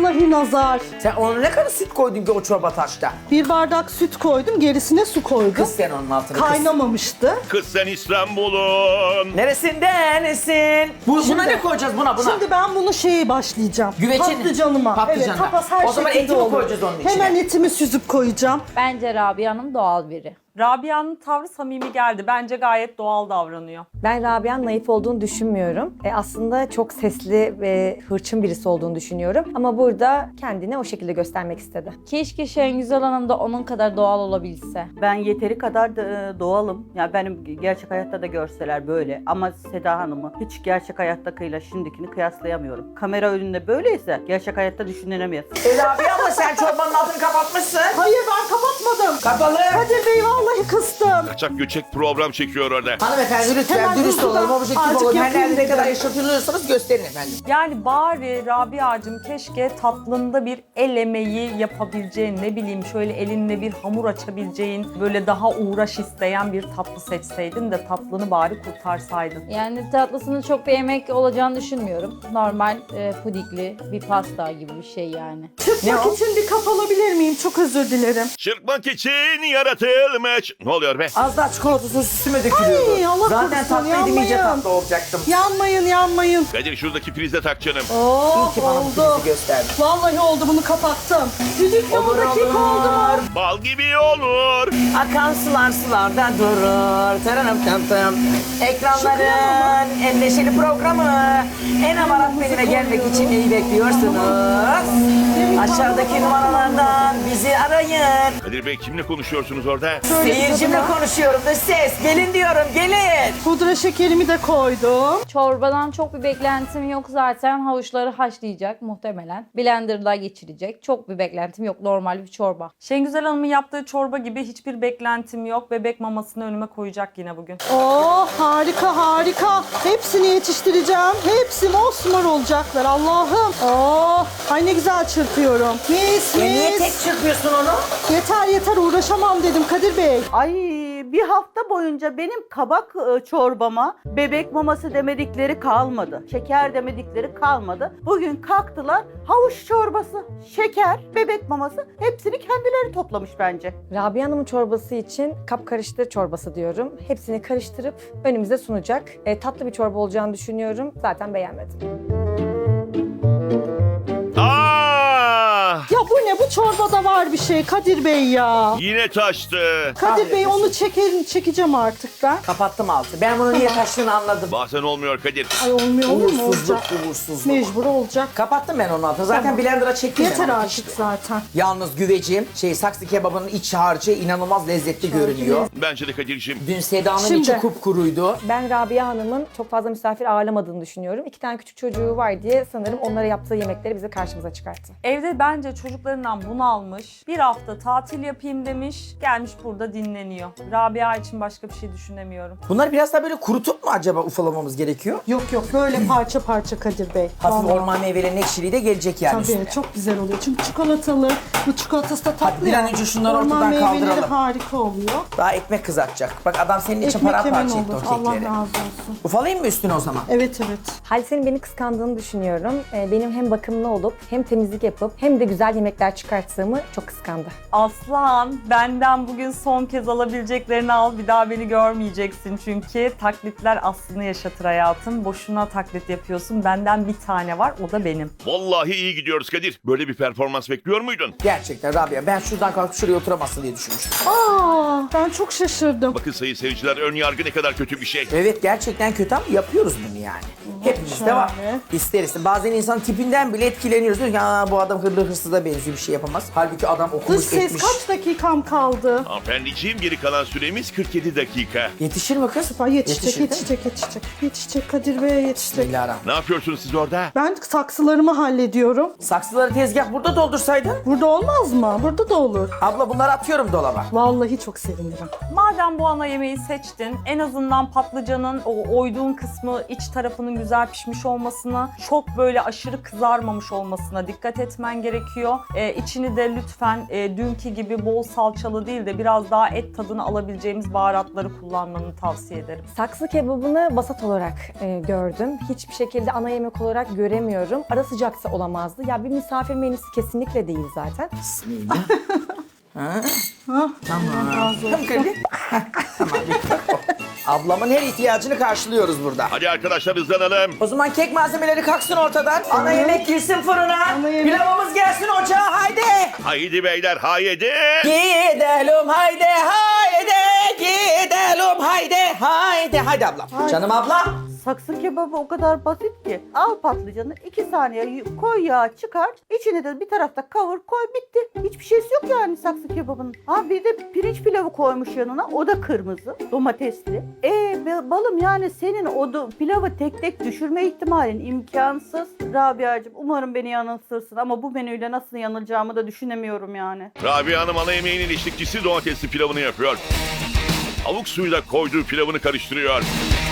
Vallahi nazar. Sen ona ne kadar süt koydun ki o çorba taşta? Bir bardak süt koydum, gerisine su koydum. Kız sen onun altına kız. Kaynamamıştı. Kız sen İstanbul'un. Neresindensin? Buna ne koyacağız buna? Şimdi ben bunu başlayacağım. Güveçin. Patlıcanıma. Patlıcanına. Evet, tapas her O zaman şekilde eti mi olur. koyacağız onun içine? Hemen etimi süzüp koyacağım. Bence Rabia Hanım doğal biri. Rabia'nın tavrı samimi geldi. Bence gayet doğal davranıyor. Ben Rabia'nın naif olduğunu düşünmüyorum. Aslında çok sesli ve hırçın birisi olduğunu düşünüyorum. Ama burada kendini o şekilde göstermek istedi. Keşke Şengüzel Hanım da onun kadar doğal olabilse. Ben yeteri kadar da, doğalım. Yani benim gerçek hayatta da görseler böyle. Ama Seda Hanım'ı hiç gerçek hayattakıyla şimdikini kıyaslayamıyorum. Kamera önünde böyleyse gerçek hayatta düşünülemez. Rabia abla sen çorbanın altını kapatmışsın. Hayır, ben kapatmadım. Kapalı. Kadir Bey vallahi kıstım. Kaçak göçek program çekiyor orada. Hanımefendi lütfen Hemen dürüst hızlıdan olalım, objektif azıcık olalım. Her yapayım nerede ne dedim. kadar yaşatılıyorsanız gösterin efendim. Yani bari Rabia'cığım keşke tatlında bir el emeği yapabileceğin, ne bileyim şöyle elinle bir hamur açabileceğin, böyle daha uğraş isteyen bir tatlı seçseydin de tatlını bari kurtarsaydın. Yani tatlısının çok bir yemek olacağını düşünmüyorum. Normal pudingli bir pasta gibi bir şey yani. Çıkmak için bir kap alabilir miyim? Çok özür dilerim. Çırpmak için yaratılmış. Ne oluyor be? Az daha çikolata sosu üstüme dökülüyordu. Ay, Allah Zaten korusun, tatlıydım, iyice yanmayın. tatlı olacaktım. Yanmayın, yanmayın. Kadir şuradaki prizde tak canım. Oh, İyi ki bana bu oldu. prizi gösterdin. Vallahi oldu, bunu kapattım. Düdük Olur, yolda kek olur. oldu mu? Bal gibi olur. Akan sular sularda durur. Taranım tam tam. Ekranların en neşeli programı. En amarat menüne gelmek için neyi bekliyorsunuz? Aşağıdaki numaralardan bizi arayın. Kadir Bey kimle konuşuyorsunuz orada? Seyircimle konuşuyorum da ses. Gelin diyorum, gelin. Pudra şekerimi de koydum. Çorbadan çok bir beklentim yok zaten. Havuçları haşlayacak muhtemelen. Blender'da geçirecek. Çok bir beklentim yok. Normal bir çorba. Şengüzel Hanım'ın yaptığı çorba gibi hiçbir beklentim yok. Bebek mamasını önüme koyacak yine bugün. Oh, harika harika. Hepsini yetiştireceğim. Hepsi mosmor olacaklar Allah'ım. Oh, ay ne güzel çırpıyorum. Mis Niye tek mis. çırpıyorsun onu? Yeter yeter, uğraşamam dedim Kadir Bey. Ay bir hafta boyunca benim kabak çorbama bebek maması demedikleri kalmadı. Şeker demedikleri kalmadı. Bugün kalktılar havuç çorbası, şeker, bebek maması hepsini kendileri toplamış bence. Rabia Hanım'ın çorbası için kap karıştır çorbası diyorum. Hepsini karıştırıp önümüze sunacak. Tatlı bir çorba olacağını düşünüyorum. Zaten beğenmedim. Aa! Ya bu ne, bu çorbada var bir şey Kadir Bey ya. Yine taştı. Kadir Bey onu çekeceğim artık ben. Kapattım altı. Ben bunu niye taştığını anladım. Bazen olmuyor Kadir. Ay olmuyor, olur mu? Uğursuzluk, Olacak. uğursuzluk. Mecbur olacak. Kapattım ben onun altını. Zaten Tamam. blender'a çektim Yeter ben onu artık işte. zaten. Yalnız güvecim, saksı kebabının iç harcı inanılmaz lezzetli görünüyor. Bence de Kadir'cim. Dün Seda'nın Şimdi. içi kupkuruydu. Ben Rabia Hanım'ın çok fazla misafir ağırlamadığını düşünüyorum. 2 tane küçük çocuğu var diye sanırım onlara yaptığı yemekleri bize karşımıza çıkarttı. Evde bence çocuklarından bunalmış. Bir hafta tatil yapayım demiş. Gelmiş burada dinleniyor. Rabia için başka bir şey düşünemiyorum. Bunları biraz daha böyle kurutup mu acaba ufalamamız gerekiyor? Yok yok, böyle parça parça Kadir Bey. Hafif Vallahi. orman meyvelerinin ekşiliği de gelecek yani üstüne. Tabii çok güzel oluyor. Çünkü çikolatalı, bu çikolatası da tatlı. Hadi bir an ya. önce şunları Orman ortadan meyveleri kaldıralım. harika oluyor. Daha ekmek kızartacak. Bak adam senin için Ekmek hemen paramparça etti olur. o Allah kekleri. razı olsun. Ufalayayım mı üstüne o zaman? Evet evet. Halise'nin beni kıskandığını düşünüyorum. Benim hem bakımlı olup hem temizlik yapıp hem de güzel yemekler çıkarttığımı çok kıskandı. Aslan, benden bugün son kez alabileceklerini al. Bir daha beni görmeyeceksin çünkü taklitler aslını yaşatır hayatım. Boşuna taklit yapıyorsun. Benden bir tane var, o da benim. Vallahi iyi gidiyoruz Kadir. Böyle bir performans bekliyor muydun? Gerçekten Rabia, ben şuradan kalkıp şuraya oturamazsın diye düşünmüştüm. Aa, ben çok şaşırdım. Bakın sayın seyirciler, ön yargı ne kadar kötü bir şey. Evet gerçekten kötü ama yapıyoruz bunu yani. Hepimizde var. şöyle. İsteriz. Bazen insan tipinden bile etkileniyoruz. Diyor ki "Aa, bu adam hırlı hırsıza benziyor, bir şey yapamaz. Halbuki adam Dış okumuş ses etmiş. kaç dakikam kaldı? Hanımefendiciğim, geri kalan süremiz 47 dakika. Yetişir mi kız? Ay, yetişecek, Yetişir, değil mi? yetişecek, yetişecek. Yetişecek Kadir Bey, yetişecek. Bismillahirrahmanirrahim. Ne yapıyorsunuz siz orada? Ben saksılarımı hallediyorum. Saksıları tezgah burada doldursaydın. Burada olmaz mı? Burada da olur. Abla bunları atıyorum dolaba. Vallahi çok sevinirim. Madem bu ana yemeği seçtin, en azından patlıcanın o oyduğun kısmı, iç tarafının güzel pişmiş olmasına, çok böyle aşırı kızarmamış olmasına dikkat etmen gerekiyor. İçini de lütfen dünkü gibi bol salçalı değil de biraz daha et tadını alabileceğimiz baharatları kullanmanı tavsiye ederim. Saksı kebabını vasat olarak gördüm. Hiçbir şekilde ana yemek olarak göremiyorum. Ara sıcaksa olamazdı. Ya bir misafir menüsü kesinlikle değil zaten. Bismillah. Tamam. Tamam. Ablamın her ihtiyacını karşılıyoruz burada. Hadi arkadaşlar hızlanalım. O zaman kek malzemeleri kalksın ortadan. Ana yemek girsin fırına. Ana yemek. Pilavımız gelsin ocağa haydi. Haydi beyler haydi. Gidelim haydi haydi. Gidelim haydi haydi. Haydi ablam. Canım ablam. Saksı kebabı o kadar basit ki. Al patlıcanı 2 saniye koy yağı çıkar. İçine de bir tarafta kavur koy bitti. Hiçbir şeysi yok yani saksı kebabının. Ha bir de pirinç pilavı koymuş yanına. O da kırmızı domatesli. Balım yani senin o pilavı tek tek düşürme ihtimalin imkansız. Rabia'cığım umarım beni yanıltırsın ama bu menüyle nasıl yanılacağımı da düşünemiyorum yani. Rabia Hanım ana yemeğinin eşlikçisi domatesli pilavını yapıyor. Tavuk suyuyla koyduğu pilavını karıştırıyor.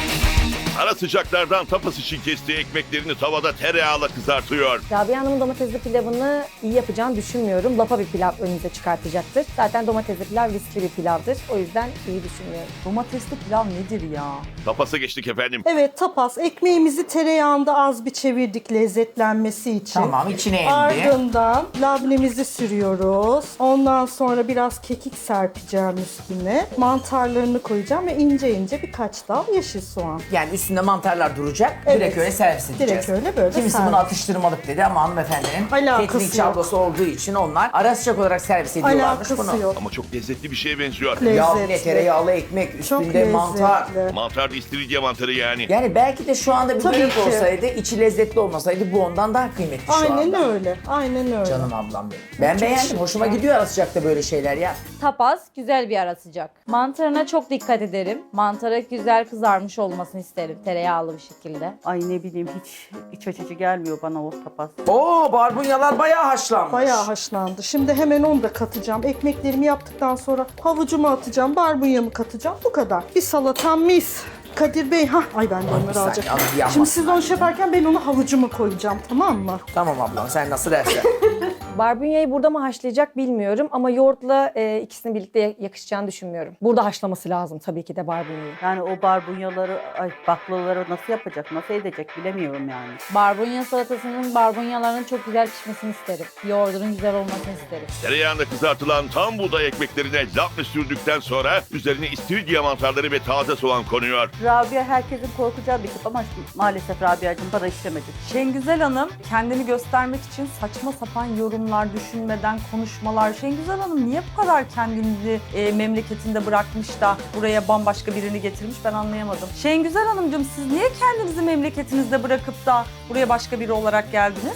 Ara sıcaklardan tapas için kestiği ekmeklerini tavada tereyağıyla kızartıyor. Rabia Hanım'ın domatesli pilavını iyi yapacağını düşünmüyorum. Lapa bir pilav önünüze çıkartacaktır. Zaten domatesli pilav riskli bir pilavdır. O yüzden iyi düşünmüyorum. Domatesli pilav nedir ya? Tapasa geçtik efendim. Evet tapas. Ekmeğimizi tereyağında az bir çevirdik lezzetlenmesi için. Tamam içine indi. Ardından labnemizi sürüyoruz. Ondan sonra biraz kekik serpeceğim üstüne. Mantarlarını koyacağım ve ince ince birkaç dal yeşil soğan. Yani üstünde mantarlar duracak. Evet. Direkt öyle servis edeceğiz. Direkt öyle böyle Kimisi servis. bunu atıştırmalık dedi ama hanımefendinin Alakası catering yok. çablası olduğu için onlar ara sıcak olarak servis ediyorlarmış Alakası bunu. yok. Ama çok lezzetli bir şeye benziyor. Yağlı Lezzetli. tereyağlı ekmek, Çok üstünde lezzetli. mantar. Mantar da istiridye mantarı yani. Yani belki de şu anda bir Tabii börek ki. olsaydı, içi lezzetli olmasaydı bu ondan daha kıymetli şu Aynen anda. öyle. Aynen öyle. Canım ablam benim. Ben beğendim. Hoşuma gidiyor ara sıcakta böyle şeyler ya. Tapas güzel bir ara sıcak. Mantarına çok dikkat ederim. Mantara güzel kızarmış olmasını isterim tereyağlı bir şekilde. Ay ne bileyim hiç iç açıcı gelmiyor bana o tapas. Oo barbunyalar bayağı haşlanmış. Bayağı haşlandı. Şimdi hemen onu da katacağım. Ekmeklerimi yaptıktan sonra havucumu atacağım, barbunyamı katacağım. Bu kadar. Bir salatam mis. Kadir Bey, ay ben de bir onları saniye, alacağım. abi, yanmasın. Şimdi siz onu şey yaparken ben onu havucumu koyacağım, tamam mı? Tamam ablam sen nasıl dersen. Barbunyayı burada mı haşlayacak bilmiyorum ama yoğurtla ikisini birlikte yakışacağını düşünmüyorum. Burada haşlaması lazım tabii ki de barbunyayı. Yani o barbunyaları, baklaları nasıl yapacak, nasıl edecek bilemiyorum yani. Barbunya salatasının barbunyalarının çok güzel pişmesini isterim. Yoğurdunun güzel olmasını isterim. Tereyağında kızartılan tam buğday ekmeklerine labne sürdükten sonra üzerine istiridye mantarları ve taze soğan konuyor. Rabia herkesin korkacağı bir tip ama maalesef Rabia'cığım bana işlemedi. Şengüzel Hanım kendini göstermek için saçma sapan yorumlar, düşünmeden konuşmalar. Şengüzel Hanım niye bu kadar kendini memleketinde bırakmış da buraya bambaşka birini getirmiş ben anlayamadım. Şengüzel Hanımcığım siz niye kendinizi memleketinizde bırakıp da buraya başka biri olarak geldiniz?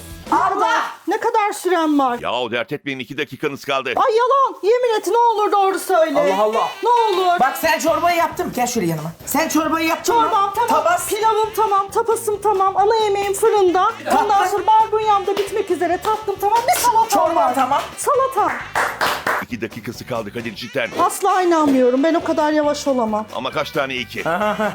Ne kadar süren var? Yahu dert etmeyin 2 dakikanız kaldı. Ay yalan. Yemin et ne olur doğru söyle. Allah Allah. Ne olur. Bak sen çorbayı yaptın. Gel şöyle yanıma. Sen çorbayı yaptın mı? Çorbam tamam, Tabas. pilavım tamam, tapasım tamam, ana yemeğim fırında. Ondan sonra barbunyam da bitmek üzere, tatlım tamam, bir salatam Çorban var. tamam. Salata. 2 dakikası kaldı Kadir cidden. Asla inanmıyorum, ben o kadar yavaş olamam. Ama kaç tane 2?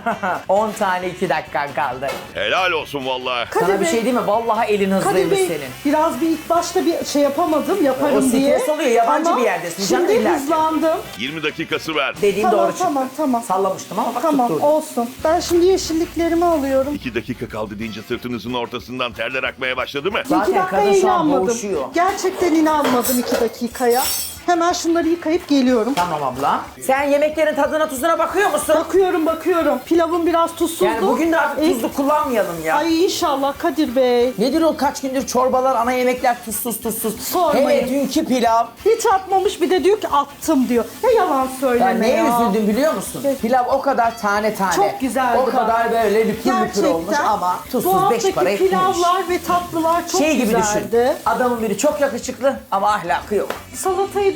10 tane 2 dakikan kaldı. Helal olsun vallahi. Kadir Sana bir Bey, şey diyeyim mi? Vallahi elin Kadir hızlıymış Bey, senin. biraz bir ilk başta bir şey yapamadım, yaparım O stres diye. oluyor, yabancı Ama bir yerdesin, canım Şimdi illa ki. hızlandım. 20 dakikası var. Dediğim Tamam, doğru çıktı. tamam. Sallamıştım ama bak Tamam, tutturdu. olsun. Ben şimdi yeşilliklerimi alıyorum. 2 dakika kaldı deyince sırtınızın ortasından terler akmaya başladı mı? Zaten 2 dakikaya kadın şu an inanmadım. boğuşuyor. Gerçekten inanmadım 2 dakikaya. Hemen şunları yıkayıp geliyorum. Tamam abla. Sen yemeklerin tadına tuzuna bakıyor musun? Bakıyorum. Pilavım biraz tuzsuzdu. Yani bugün de artık tuzlu kullanmayalım ya. Ay inşallah Kadir Bey. Nedir o kaç gündür çorbalar, ana yemekler tuzsuz. Sormayın. Hele dünkü pilav. Hiç atmamış bir de diyor ki attım diyor. Ne yalan Ya söyleme neye ya. üzüldüm biliyor musun? Evet. Pilav o kadar tane. Çok güzeldi O kadar böyle lüpür lüpür olmuş Gerçekten ama bu tuzsuz 5 haftaki para etmemiş. pilavlar ve tatlılar çok Şey gibi güzeldi. düşün. Adamın biri çok yakışıklı ama ahlakı yok. Salatayı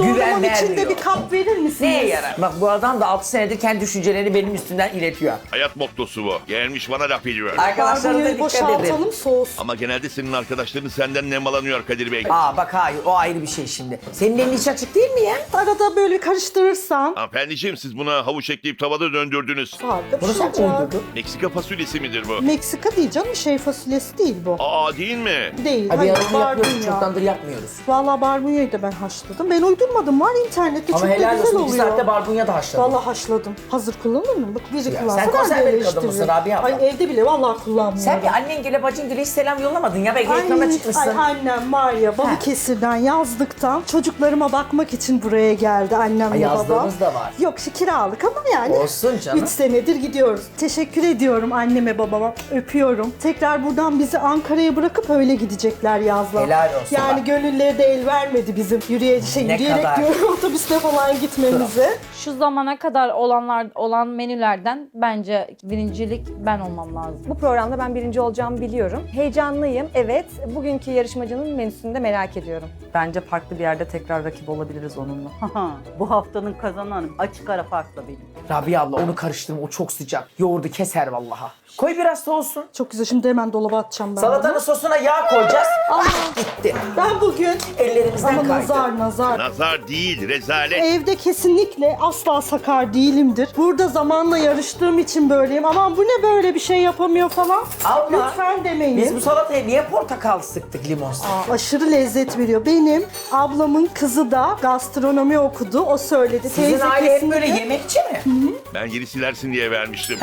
Yoğurdumun Güven içinde vermiyor. bir kap verir misiniz? Neye yarar? Bak bu adam da 6 senedir kendi düşüncelerini benim üstümden iletiyor. Hayat mottosu bu. Gelmiş bana laf ediyor. Arkadaşlarına Barbunyayı dikkat edin. boşaltalım soğusun. Ama genelde senin arkadaşların senden nemalanıyor Kadir Bey. Aa bak hayır o ayrı bir şey şimdi. Senin elin hiç açık değil mi ya? Arada böyle karıştırırsan Hanımefendiciğim siz buna havuç ekleyip tavada döndürdünüz. farklı Bunu sen mi pişecek. uydurdun? Meksika fasulyesi midir bu? Meksika değil canım, şey fasulyesi değil bu. Aa değil mi? Değil. Hadi Hayır, ya onu yapmıyoruz. barbunya. Çoktandır yapmıyoruz. Valla barbunyayı da ben haşladım. Ben uydurmadım. Var internette Ama çok da helal güzel olsun 2 oluyor. saatte barbunya da haşladın. Valla haşladım. Hazır kullanır mı? Bak biri Ya kullansa sen ben de konserve bir eleştiririm. kadın mısın Rabia abla? Ay evde bile vallahi kullanmıyorum. Sen bir annengile bacıngile hiç selam yollamadın ya. Belki ekrana çıkmışsın. Ay annem var ya Balıkesir'den yazdıktan çocuklarıma bakmak için buraya geldi annemle Ay, babam. yazdığımız da var. Yok kiralık ama yani. Olsun canım. 3 senedir gidiyoruz. Teşekkür ediyorum anneme babama. Öpüyorum. Tekrar buradan bizi Ankara'ya bırakıp öyle gidecekler yazla. Helal olsun Yani bak. gönülleri de el vermedi bizim Ne yürüyerek kadar? diyorum otobüste falan gitmemize. Şu zamana kadar olan menülerden bence birincilik ben olmam lazım. Bu programda ben birinci olacağımı biliyorum. Heyecanlıyım. Evet, bugünkü yarışmacının menüsünü de merak ediyorum. Bence farklı bir yerde tekrar rakip olabiliriz onunla. Bu haftanın kazananı açık ara farkla benim. Rabia abla onu karıştırma o çok sıcak. Yoğurdu keser vallaha. Koy biraz soğusun. Çok güzel. Şimdi hemen dolaba atacağım ben. Salatanın bunu. sosuna yağ koyacağız. Gitti. Ben bugün Ellerimizden ama kaydı. nazar. Nazar değil, rezalet. Evde kesinlikle asla sakar değilimdir. Burada zamanla yarıştığım için böyleyim. Aman bu ne böyle bir şey yapamıyor falan. Abla, Lütfen demeyin. Biz bu salataya niye portakal sıktık limon sıktık? Aşırı lezzet veriyor. Benim ablamın kızı da gastronomi okudu. O söyledi. Sizin Teyze aile hep kesinlikle- böyle yemekçi mi? Ben yeri silersin diye vermiştim.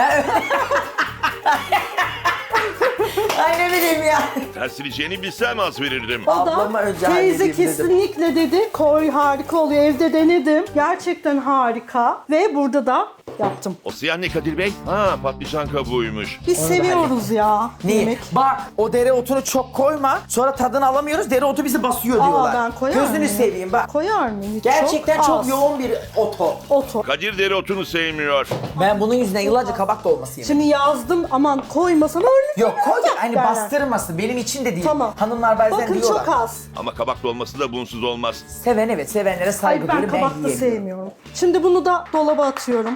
Ay ne bileyim ya. Tersileceğini bilsem az verirdim. O da Ablama önce teyze halledeyim dedim. kesinlikle dedi. Koy harika oluyor. Evde denedim. Gerçekten harika. Ve burada da yaptım. O siyah ne Kadir Bey? Ha patlıcan kabuğuymuş. Biz Onu da seviyoruz ya Niye? yemek. Bak o dereotunu çok koyma. Sonra tadını alamıyoruz. Dereotu bizi basıyor diyorlar. Ben koyar Gözünü mıyım? seveyim bak. Koyar mıyım? Hiç Gerçekten çok az. yoğun bir oto. Oto. Kadir dereotunu sevmiyor. Ben bunun yüzünden yıllarca kabak dolması yedim. Şimdi yazdım aman koymasam öyle. Yok koy da hani derler. bastırmasın. Benim için de değil. Tamam. Hanımlar bazen Bakın diyorlar. çok az. Ama kabak dolması da bunsuz olmaz. Seven evet sevenlere saygı Hayır ben duyuyorum. kabak da yiyemiyorum. sevmiyorum. Şimdi bunu da dolaba atıyorum.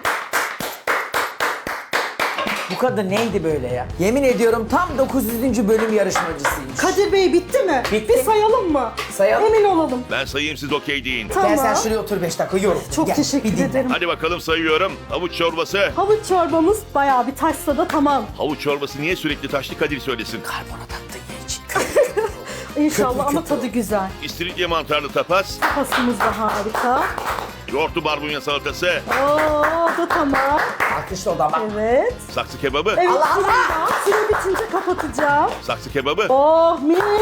Bu kadın neydi böyle ya? Yemin ediyorum tam 900. bölüm yarışmacısıymış. Kadir Bey bitti mi? Bitti. Bir sayalım mı? Sayalım. Emin olalım. Ben sayayım siz okey deyin. Tamam. Gel sen şuraya otur 5 dakika yorum. Çok Gel, teşekkür bir dinle. ederim. Hadi bakalım sayıyorum. Havuç çorbası. Havuç çorbamız bayağı bir taşsa da tamam. Havuç çorbası niye sürekli taşlı Kadir söylesin. Karbonat attın ya için. İnşallah ama kötü. tadı güzel. İstiridye mantarlı tapas. Pasımız da harika. Yoğurtlu barbunya salatası. Oo da tamam. Alkışla o da bak. Evet. Saksı kebabı. Evet. Allah Allah! Süre bitince kapatacağım. Saksı kebabı. Oh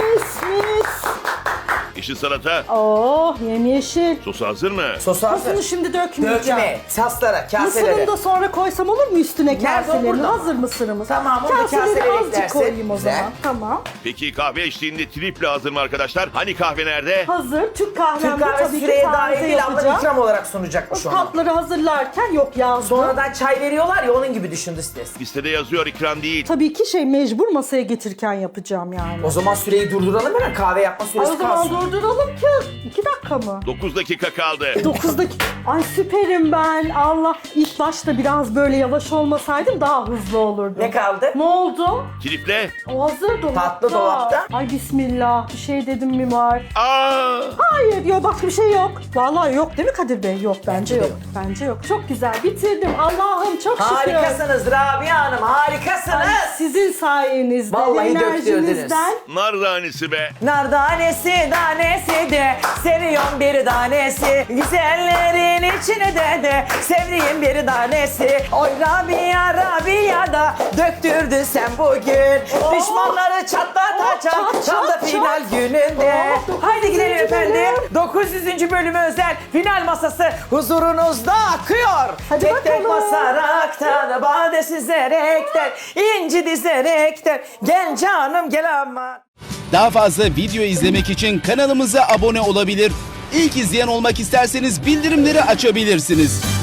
mis. Yeşil salata. Oh yemyeşil. Sosu hazır mı? Sosu hazır. Sosunu şimdi dökmeyeceğim. Dökme. Saslara, kaselere. Mısırını da sonra koysam olur mu üstüne Nerede o, kaselerini? burada mı? Hazır mısırımız. Tamam, onu da Kaseleri kaselere azıcık eklersin. koyayım o Güzel. zaman. Tamam. Peki kahve eşliğinde triple hazır mı arkadaşlar? Hani kahve nerede? Hazır. Türk Türk kahvemde kahvesi tabii ki süreye taze dahil değil abla yapacağım. ikram olarak O sunacakmış onu. tatları hazırlarken yok yazdım. Sonradan çay veriyorlar ya onun gibi düşündü stres. Listede yazıyor ikram değil. Tabii ki mecbur masaya getirirken yapacağım yani. O zaman süreyi durduralım hemen kahve yapma Ay, süresi o zaman kalsın. durduralım ki. 2 dakika mı? 9 dakika kaldı. 9 dakika. Ay süperim ben. Allah. İlk başta biraz böyle yavaş olmasaydım daha hızlı olurdu. Ne kaldı? Ne oldu? Triple. O hazır dolapta. Tatlı dolapta. Ay bismillah. Bir şey dedim mi var? Aa! Hayır yok başka bir şey yok. Vallahi yok değil mi Kadir Bey? Yok bence Bence de yok. yok. Bence yok. Çok güzel bitirdim. Allah'ım çok şükür. Harikasınız Rabia Hanım harikasınız. Ay, sizin sayenizde, Vallahi enerjinizden. Nar tanesi be. Nar tanesi tanesi de seviyorum bir tanesi. Güzellerin içine de sevdiğim bir tanesi. Oy Rabia Rabia da döktürdün sen bugün. Düşmanları çatlatacağım çat, tam da çat, final çat. gününde. Oh, Haydi gidelim 900. efendim. 900. bölümü özel final masası huzurunuzda akıyor. Hadi tek tek bakalım. basaraktan, bade süzerekten, inci dizerekten. Gel canım gel ama. Daha fazla video izlemek için kanalımıza abone olabilir. İlk izleyen olmak isterseniz bildirimleri açabilirsiniz.